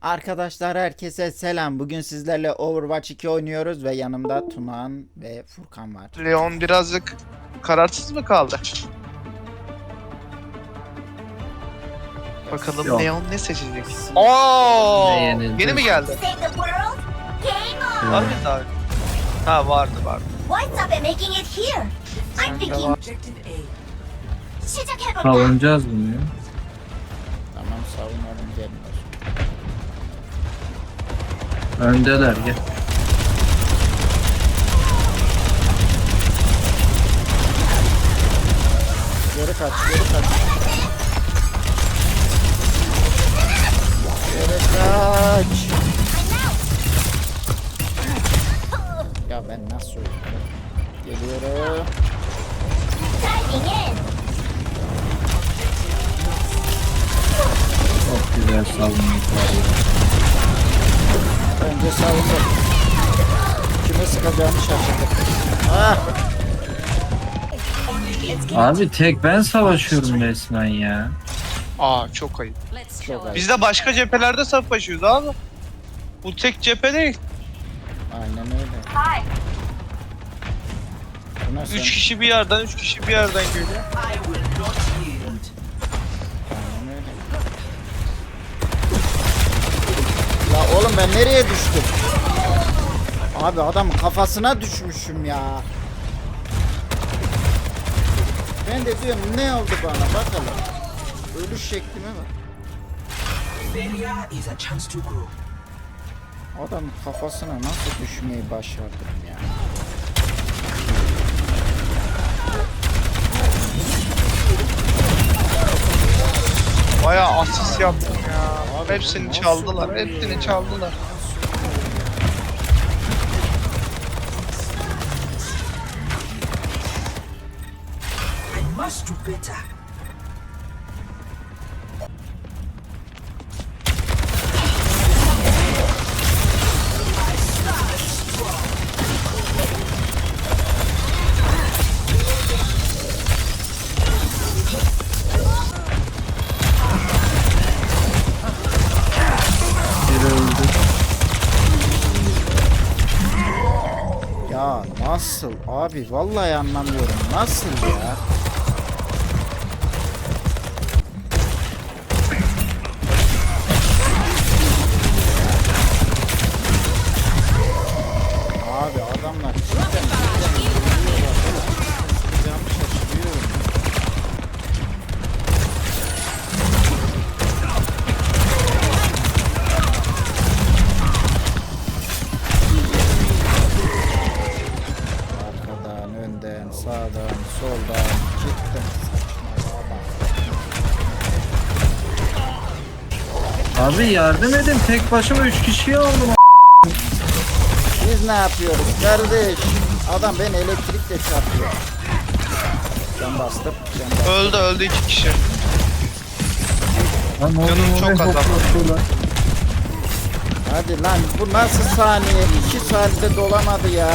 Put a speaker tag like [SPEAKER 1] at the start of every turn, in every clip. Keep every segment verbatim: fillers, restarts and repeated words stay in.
[SPEAKER 1] Arkadaşlar herkese selam. Bugün sizlerle Overwatch iki oynuyoruz ve yanımda Tunağan ve Furkan var.
[SPEAKER 2] Leon birazcık kararsız mı kaldı? Bakalım
[SPEAKER 3] Yok.
[SPEAKER 2] Leon ne seçecek? Oo!
[SPEAKER 3] Ne yenildi?
[SPEAKER 2] Yeni mi geldi?
[SPEAKER 4] Save the world? Game on!
[SPEAKER 2] Var mıydı abi? Ha vardı vardı.
[SPEAKER 4] What's up in making it here? I'm thinking 시작해볼까?
[SPEAKER 3] Savunacağız bunu ya.
[SPEAKER 1] Tamam, savunalım, gelin.
[SPEAKER 3] Öndeler gel.
[SPEAKER 1] Geri kaç, geri kaç. Geri kaç. Ya ben nasıl oynuyorum? Geliyorum.
[SPEAKER 4] Diving in!
[SPEAKER 3] Çok güzel savunmak var ya.
[SPEAKER 1] Önce savundum. Kime sıkacağımı şaşırdım. Ah!
[SPEAKER 3] Abi tek ben savaşıyorum resmen ya.
[SPEAKER 2] Aa çok ayıp.
[SPEAKER 1] Çok ayıp.
[SPEAKER 2] Biz de başka cephelerde savaşıyoruz abi. Bu tek cephe değil.
[SPEAKER 1] Aynen öyle. Bu nasıl?
[SPEAKER 2] Üç kişi bir yerden, üç kişi bir yerden geliyor.
[SPEAKER 1] Aynen öyle. La oğlum ben nereye düştüm? Abi adamın kafasına düşmüşüm ya. Ben de diyorum ne oldu bana bakalım. Ölüş şeklime bak. Adamın kafasına nasıl düşmeyi başardım ya.
[SPEAKER 2] Bayağı asist yaptım ya.
[SPEAKER 1] Abi,
[SPEAKER 2] Hepsini
[SPEAKER 1] nasıl
[SPEAKER 2] çaldılar,
[SPEAKER 1] oluyor?
[SPEAKER 2] hepsini çaldılar.
[SPEAKER 5] Must do better.
[SPEAKER 3] Biri öldü.
[SPEAKER 1] Ya nasıl abi vallahi anlamıyorum nasıl ya. Abi adamlar cidden cidden yürüyorlar. Sıkacağımı şaşırıyorum. Arkadan, önden, sağdan, soldan cidden saçmalığa bak.
[SPEAKER 3] Abi yardım edin, tek başıma üç kişiyi aldım.
[SPEAKER 1] Biz ne yapıyoruz kardeş? Adam beni elektrikle çarpıyor. Can bastım, can bastım.
[SPEAKER 2] Öldü öldü iki kişi.
[SPEAKER 3] Lan ne
[SPEAKER 2] Canım
[SPEAKER 3] oluyor,
[SPEAKER 2] çok
[SPEAKER 3] ne
[SPEAKER 2] azaldı.
[SPEAKER 3] hoplatıyorlar?
[SPEAKER 1] Hadi lan bu nasıl saniye? iki saatte dolamadı ya.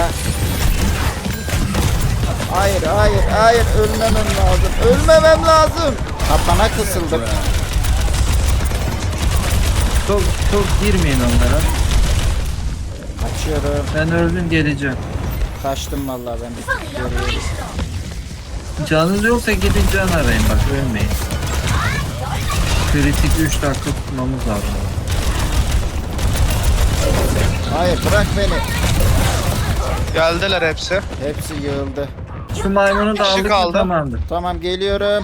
[SPEAKER 1] Hayır hayır hayır ölmemem lazım. Ölmemem lazım. Kapana kısıldım.
[SPEAKER 3] Çok çok girmeyin onlara.
[SPEAKER 1] Kaçıyorum.
[SPEAKER 3] Ben öldüm, geleceğim.
[SPEAKER 1] Kaçtım vallahi ben bir tık
[SPEAKER 4] Fully
[SPEAKER 1] geriye.
[SPEAKER 4] operational!
[SPEAKER 3] Canınız yoksa gidin can arayın, bak ölmeyin. Kritik üç dakika tutmamız lazım.
[SPEAKER 1] Hayır bırak beni.
[SPEAKER 2] Geldiler hepsi.
[SPEAKER 1] Hepsi yığıldı.
[SPEAKER 3] Şu maymunu da
[SPEAKER 2] Kişi
[SPEAKER 3] aldık mı
[SPEAKER 2] kaldı.
[SPEAKER 3] tamamdır.
[SPEAKER 1] Tamam geliyorum.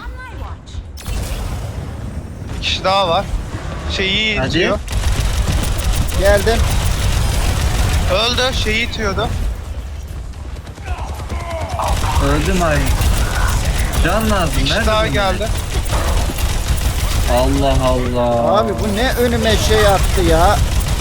[SPEAKER 2] Bir kişi daha var. Şeyi
[SPEAKER 3] Hadi.
[SPEAKER 2] itiyor.
[SPEAKER 1] Geldim.
[SPEAKER 2] Öldü, şeyi itiyordu.
[SPEAKER 3] Öldü maymun. Can lazım.
[SPEAKER 2] Bir kişi
[SPEAKER 3] Nerede
[SPEAKER 2] daha
[SPEAKER 3] bunlar?
[SPEAKER 2] geldi.
[SPEAKER 3] Allah Allah.
[SPEAKER 1] Abi bu ne önüme şey attı ya.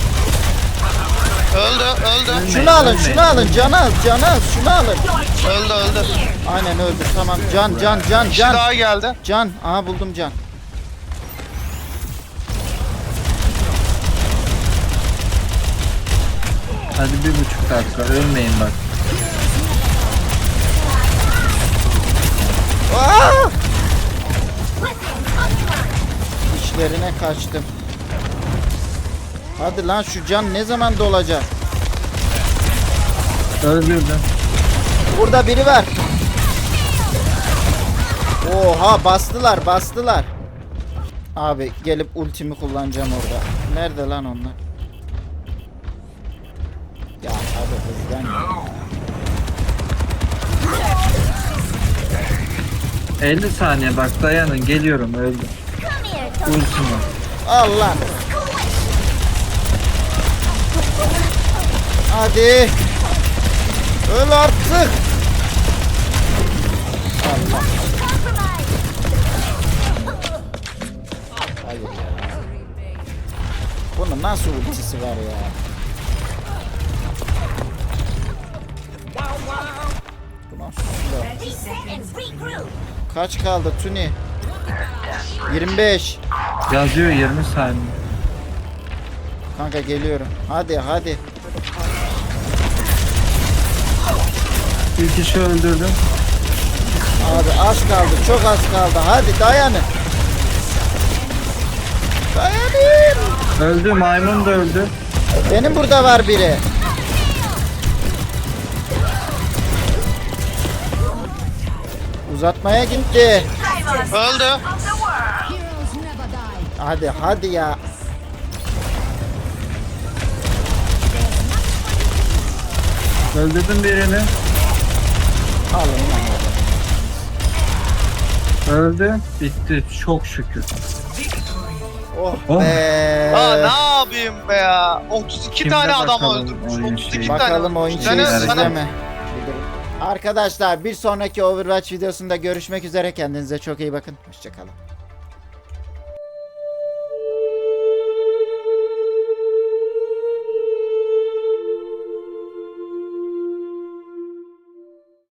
[SPEAKER 2] Öldü, öldü.
[SPEAKER 3] Ölmeyin,
[SPEAKER 1] Şunu alın
[SPEAKER 3] ölmeyin.
[SPEAKER 1] şunu alın canı al canı al şunu alın.
[SPEAKER 2] Öldü, öldü.
[SPEAKER 1] Aynen öldü tamam can can can
[SPEAKER 2] Bir kişi
[SPEAKER 1] can.
[SPEAKER 2] daha geldi.
[SPEAKER 1] Can aha buldum can.
[SPEAKER 3] Hadi bir buçuk dakika ölmeyin bak.
[SPEAKER 1] Aa! İçlerine kaçtım. Hadi lan şu can ne zaman dolacak?
[SPEAKER 3] Öldürdüm.
[SPEAKER 1] Burada biri var. Oha bastılar bastılar. Abi gelip ultimi kullanacağım orada. Nerede lan onlar? Ya hadi hızlan.
[SPEAKER 3] elli saniye bak dayanın geliyorum öldüm.
[SPEAKER 4] Come here, Toby.
[SPEAKER 3] Ultim var.
[SPEAKER 1] Allah. Hadi. Öl artık. Allah.
[SPEAKER 4] Compromise.
[SPEAKER 1] Hayır ya. Bunun nasıl ultisi var ya? Bu nasıl silah?
[SPEAKER 4] Reset and regroup.
[SPEAKER 1] Kaç kaldı Tuni? yirmi beş.
[SPEAKER 3] Yazıyor yirmi saniye.
[SPEAKER 1] Kanka geliyorum. Hadi hadi.
[SPEAKER 3] Bir kişi öldürdüm.
[SPEAKER 1] Abi az kaldı. Çok az kaldı. Hadi dayanın. Dayanın.
[SPEAKER 3] Öldü maymun da öldü.
[SPEAKER 1] Benim burada var biri. Uzatmaya gitti.
[SPEAKER 2] Öldü.
[SPEAKER 1] Hadi hadi ya.
[SPEAKER 3] Öldürdüm birini.
[SPEAKER 1] Alın lan.
[SPEAKER 3] Öldü. Bitti. Çok şükür.
[SPEAKER 1] Oh,
[SPEAKER 3] Oh.
[SPEAKER 1] be.
[SPEAKER 2] Aa ne yapayım be ya. otuz iki
[SPEAKER 3] Kimde
[SPEAKER 2] tane adam
[SPEAKER 3] bakalım
[SPEAKER 2] öldürmüş.
[SPEAKER 3] oyun
[SPEAKER 2] otuz iki
[SPEAKER 3] şeyi?
[SPEAKER 2] tane.
[SPEAKER 1] Bakalım oyun
[SPEAKER 2] Sana-
[SPEAKER 1] şeyi
[SPEAKER 2] sana-
[SPEAKER 1] sizde mi? Arkadaşlar bir sonraki Overwatch videosunda görüşmek üzere. Kendinize çok iyi bakın. Hoşçakalın.